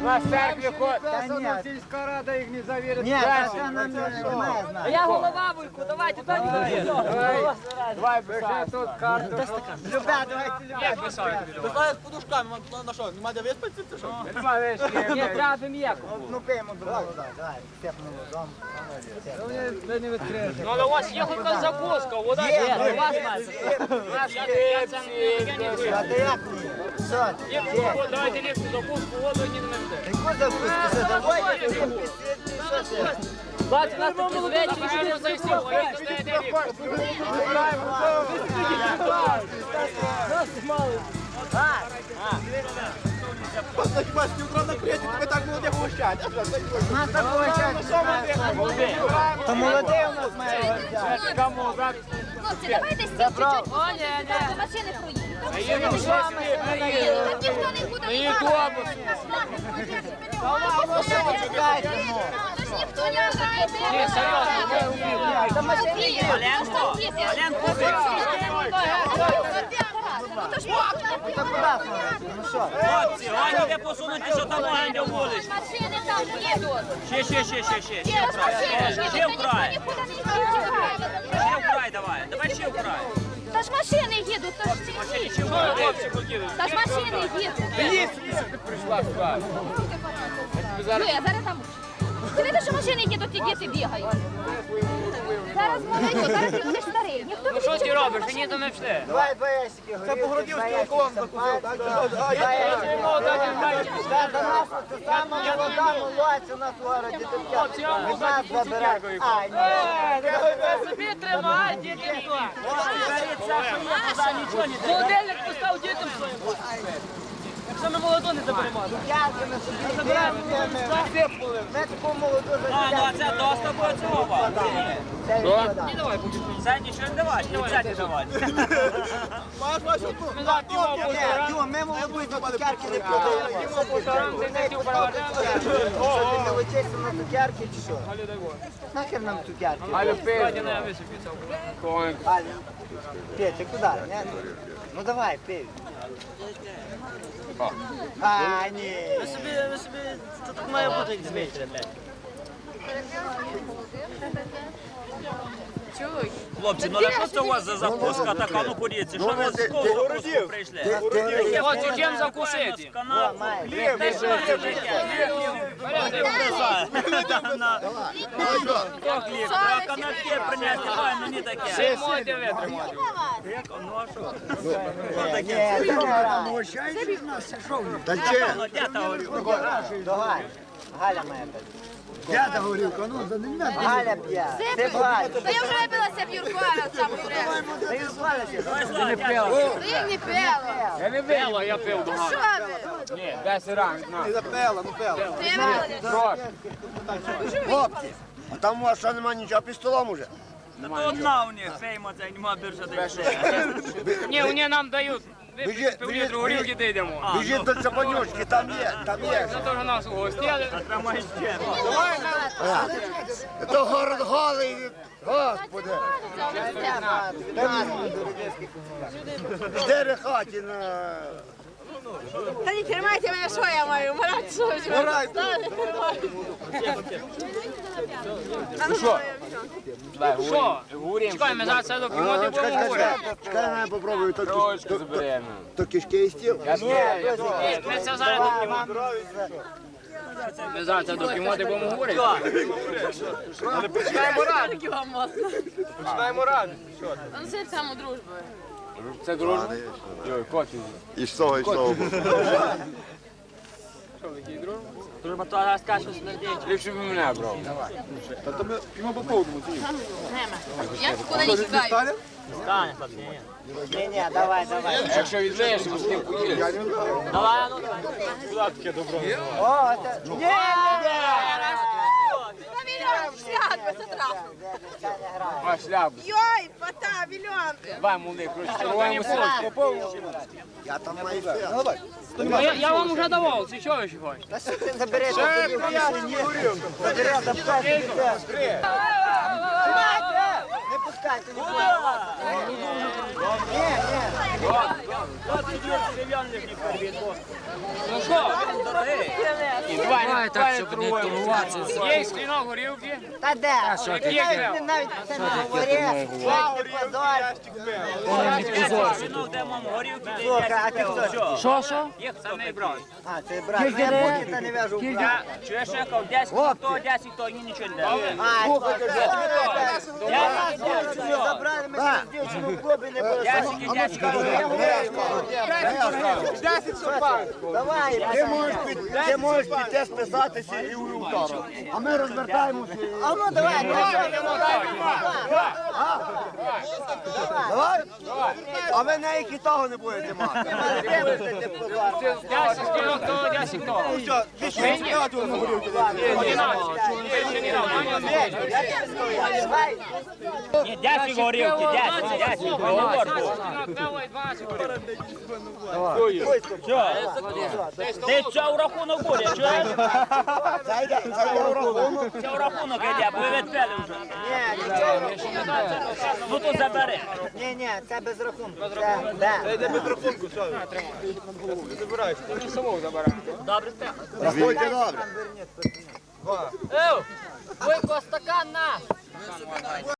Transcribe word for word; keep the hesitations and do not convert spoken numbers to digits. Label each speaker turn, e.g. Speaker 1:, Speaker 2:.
Speaker 1: На церкві ходить.
Speaker 2: Та сільська рада їх не завірить.
Speaker 3: Ні, та це нам не знає.
Speaker 4: Я голова Вуйку, давайте так.
Speaker 1: Давай писай.
Speaker 2: Тут карту.
Speaker 3: Любе, давайте любе.
Speaker 1: Як писати?
Speaker 5: Писали з подушками, на що, нема де виспатися, чи що?
Speaker 1: Нема вишки.
Speaker 4: Ні, треба м'яко.
Speaker 3: Ну пиємо другого, давай. Степнемо дом.
Speaker 2: Ви не відкриєте.
Speaker 1: Ну, але у вас є хоч якась закуска, вода
Speaker 3: Є,
Speaker 1: є.
Speaker 4: У вас має.
Speaker 1: Я це не
Speaker 3: А
Speaker 1: вижу.
Speaker 3: ти як ні? Що? Є.
Speaker 1: Давайте ліпшу закуску, воду ні не менте.
Speaker 3: Яку закуску? Це давай? Що це?
Speaker 4: Бачу, нас такі звичайні.
Speaker 1: Правильно за всіх, ви пішли
Speaker 5: Просто хіба з утра накрити, тебе так молоді гощать.
Speaker 3: Нас такого То молодий у нас має взяти.
Speaker 6: Хлопці, давайте стільки чуть-чуть.
Speaker 4: О, ні, ні.
Speaker 6: До машини проїдемо.
Speaker 1: Їдемо шості,
Speaker 6: Так ніхто не буде.
Speaker 1: Її автобус.
Speaker 6: Тож ніхто не грає.
Speaker 1: Ні, серйозно,
Speaker 3: Та машини є.
Speaker 6: Оленко, Оленко,
Speaker 3: Та куди там? Ну що?
Speaker 7: Хлопці, Ганя не посунути, що там Ганя вулич.
Speaker 6: машини там їдуть.
Speaker 7: Ще, ще, ще, ще, ще.
Speaker 6: Є
Speaker 7: Ще вкрай.
Speaker 6: машини,
Speaker 7: Ще
Speaker 6: ніхто
Speaker 7: вкрай.
Speaker 6: нікуди не їде.
Speaker 7: Ще вкрай давай. Давай ще вкрай.
Speaker 6: Та ж машини їдуть, то ж ці.
Speaker 7: Ще вкрай. Хлопці, покинули.
Speaker 6: Та ж машини їдуть.
Speaker 1: ти прийшла сюди.
Speaker 6: Ну, я зараз там. Ти видиш, що машини їдуть і діти бігають. Зараз молодь, зараз ти будеш старий. Ніхто
Speaker 1: Ну що ти робиш? Ні, то не пішли.
Speaker 3: Давай два ящики.
Speaker 5: Це Погородівський околон закусив, так?
Speaker 3: Два ящики. Та до нас це сама молода молодь у нас в городі. Від нас забирати. А, ні.
Speaker 4: Собі тримай, діти хто. Холодильник постав дітям своїм. Якщо ми молоду не заберемо.
Speaker 3: Ярки на собі йдемо. Ми таку молоду
Speaker 7: А, ну а це доста буде цього.
Speaker 3: Це відкладає.
Speaker 7: Це нічого не давати, і це не давати.
Speaker 5: Маєш вашу одну?
Speaker 3: Ні, Діма, ми молоду і до цукерки не продаємо. Що ти не летишся на цукерки чи що? Нахер нам цукерки?
Speaker 1: Галю, пий.
Speaker 3: Галя, Петя, куди? Не? Ну давай, пей. А, ні.
Speaker 7: Ви собі, ви собі, це так має бути, як звичайно, блядь. Хлопці, ну а що це у вас за закуска така? Ну подивіться, що ви з кого закуску прийшли?
Speaker 1: Хочу чим закусити.
Speaker 7: Канал, хліб, ти що це таке? Хто хліб? Треба канапки принести, давай мені таке.
Speaker 1: Всі можете витримати.
Speaker 7: Ну а що?
Speaker 3: Ні, це не грає.
Speaker 5: Та че?
Speaker 7: Ну де та горілка?
Speaker 3: Давай. Галя моя п'є.
Speaker 5: Дяда горілка, ну за не
Speaker 3: Галя п'є. Ти б Галя.
Speaker 6: Та я вже випилася в Юрку, а сам говорю.
Speaker 3: Ти ж Галя.
Speaker 7: Давай, Слава, дядя.
Speaker 6: Ти не пила.
Speaker 1: Я не пила, я пив до
Speaker 6: Що
Speaker 1: Галя.
Speaker 6: ви?
Speaker 1: Ні, десять ранг, на.
Speaker 5: запела, ну пела.
Speaker 6: Ти випила.
Speaker 1: Трошки.
Speaker 5: Хлопці, а там у вас що нема нічого під столом уже?
Speaker 7: Та то одна у них, фейма, це нема більше десь.
Speaker 1: Ні, вони нам дають.
Speaker 5: Біжи,
Speaker 1: Пів літру горілки дійдемо.
Speaker 5: Біжіть до Цапанючки, там є, там є.
Speaker 1: Це теж нас угостили.
Speaker 7: Тримай ще.
Speaker 5: То город голий, господи. Чотири хаті на...
Speaker 6: Та не тримайте мене, що я маю? Марати, що ви?
Speaker 5: Марай,
Speaker 1: Що? Чекай, ми зараз це доп'ємо, ти будемо говорити.
Speaker 5: Чекай, я попробую, то,
Speaker 1: Трошки
Speaker 5: то,
Speaker 1: заберемо.
Speaker 5: то кишки і стіл.
Speaker 1: Я ж ми це зараз доп'ємо. Ми зараз це доп'ємо, ти будемо говорити. Починаємо ради. Починаємо ради.
Speaker 6: Ну це саму дружбу.
Speaker 1: Це дружба? Йой, кофі.
Speaker 5: І з того, і з того.
Speaker 1: Що, такий дружба?
Speaker 7: Дружба, то раз кашу смердить.
Speaker 1: Ліпше б мене брав.
Speaker 5: Та то ми п'ємо по повному.
Speaker 6: Нема. Я нікуди не тікаю.
Speaker 7: Стане, хлопці, ні.
Speaker 3: Ні, ні, давай, давай.
Speaker 1: Якщо відлиєш, то з тим поїдеш.
Speaker 7: Давай, ну, давай.
Speaker 3: О, це... Ні, ні,
Speaker 6: Та мільйон свят, це трапу.
Speaker 3: Це не грає.
Speaker 1: А шляпу.
Speaker 6: Йой, фата, мільйон.
Speaker 1: Давай, молодий, розчаруємо сотку.
Speaker 5: Я там маю все.
Speaker 1: Я, я вам вже давав, це що ви ще хочете?
Speaker 3: Та що ти забереш? Ще приятні. Забереш, запхай собі це. Не пускайте, не пускайте. Ні, ні.
Speaker 7: двадцять гривень не перебіг, бо.
Speaker 1: Ну що?
Speaker 7: Дорогий.
Speaker 1: Давай так, щоб не турбуватися.
Speaker 2: Є скліно горілки.
Speaker 3: Та де?
Speaker 1: що ти?
Speaker 3: Навіть, навіть це не говори, навіть не позор.
Speaker 7: Ну, де мам горілки, де
Speaker 3: Слухай, а ти хто?
Speaker 1: Що, що?
Speaker 7: їх самий брат.
Speaker 3: А, це брат. Ну, я поки та не в'яжу в брат.
Speaker 7: Чуєш, я кажу, десять хто, десять то, ні нічого не дає.
Speaker 3: А, я забрали, ми через дівчину в клубі не були.
Speaker 7: Десять і десять.
Speaker 2: десять супан.
Speaker 3: Давай,
Speaker 5: Ти можеш, під- ти можеш піти списатися і у вівторок. А ми розвертаємося.
Speaker 3: а ну давай, давай,
Speaker 5: Давай? А ви ніякі того не будете мати.
Speaker 2: десять склінок, то десять хто.
Speaker 5: Що, ти що, співати на горілки?
Speaker 7: Ні, десять горілки, десять, десять. Договор був. Ти що в рахунок буде, чуєш?
Speaker 5: Це йде, це йде в рахунок.
Speaker 7: Це в рахунок йде, бо ви відпели вже.
Speaker 3: Ні, нічого.
Speaker 7: Ну то забери.
Speaker 3: Ні, ні, це без рахунку. Це, де?
Speaker 5: Йде без рахунку, що?
Speaker 7: Добре, те.
Speaker 5: Рахуйте добре.
Speaker 4: Ей, Бойко, стакан на!